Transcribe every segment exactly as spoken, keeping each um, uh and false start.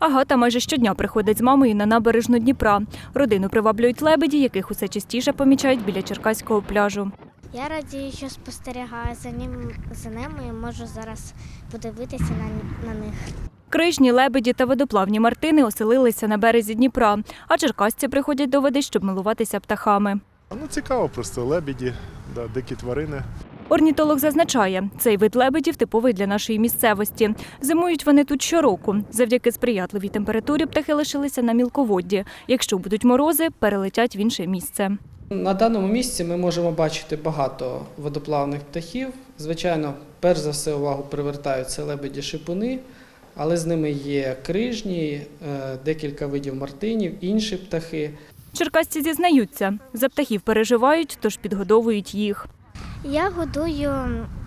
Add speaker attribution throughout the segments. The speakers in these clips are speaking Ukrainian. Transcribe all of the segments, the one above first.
Speaker 1: Агата майже щодня приходить з мамою на набережну Дніпра. Родину приваблюють лебеді, яких усе частіше помічають біля Черкаського пляжу.
Speaker 2: Я радію, що спостерігаю за ним, за ними і можу зараз подивитися на, на них.
Speaker 1: Крижні, лебеді та водоплавні мартини оселилися на березі Дніпра, а черкасці приходять до води, щоб милуватися птахами.
Speaker 3: Ну, цікаво просто, лебеді, да, дикі тварини.
Speaker 1: Орнітолог зазначає, цей вид лебедів типовий для нашої місцевості. Зимують вони тут щороку. Завдяки сприятливій температурі птахи лишилися на мілководді. Якщо будуть морози, перелетять в інше місце.
Speaker 4: На даному місці ми можемо бачити багато водоплавних птахів. Звичайно, перш за все увагу привертають це лебеді-шипуни, але з ними є крижні, декілька видів мартинів, інші птахи.
Speaker 1: Черкасці зізнаються, за птахів переживають, тож підгодовують їх.
Speaker 2: Я годую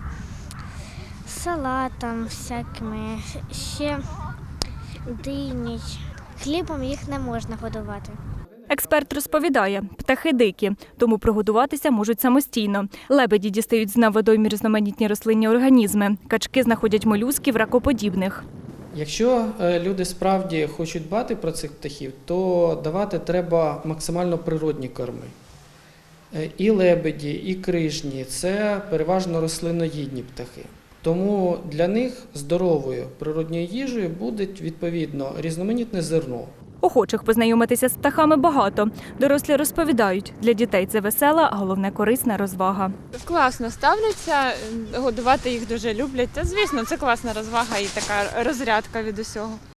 Speaker 2: салатом всякими, ще дині. Хлібом їх не можна годувати.
Speaker 1: Експерт розповідає, птахи дикі, тому прогодуватися можуть самостійно. Лебеді дістають з дна водоймі різноманітні рослинні організми. Качки знаходять молюсків, ракоподібних.
Speaker 4: Якщо люди справді хочуть дбати про цих птахів, то давати треба максимально природні корми. І лебеді, і крижні – це переважно рослиноїдні птахи. Тому для них здоровою природньою їжею буде, відповідно, різноманітне зерно.
Speaker 1: Охочих познайомитися з птахами багато. Дорослі розповідають, для дітей це весела, а головне корисна розвага.
Speaker 5: Класно ставляться, годувати їх дуже люблять. Та, звісно, це класна розвага і така розрядка від усього.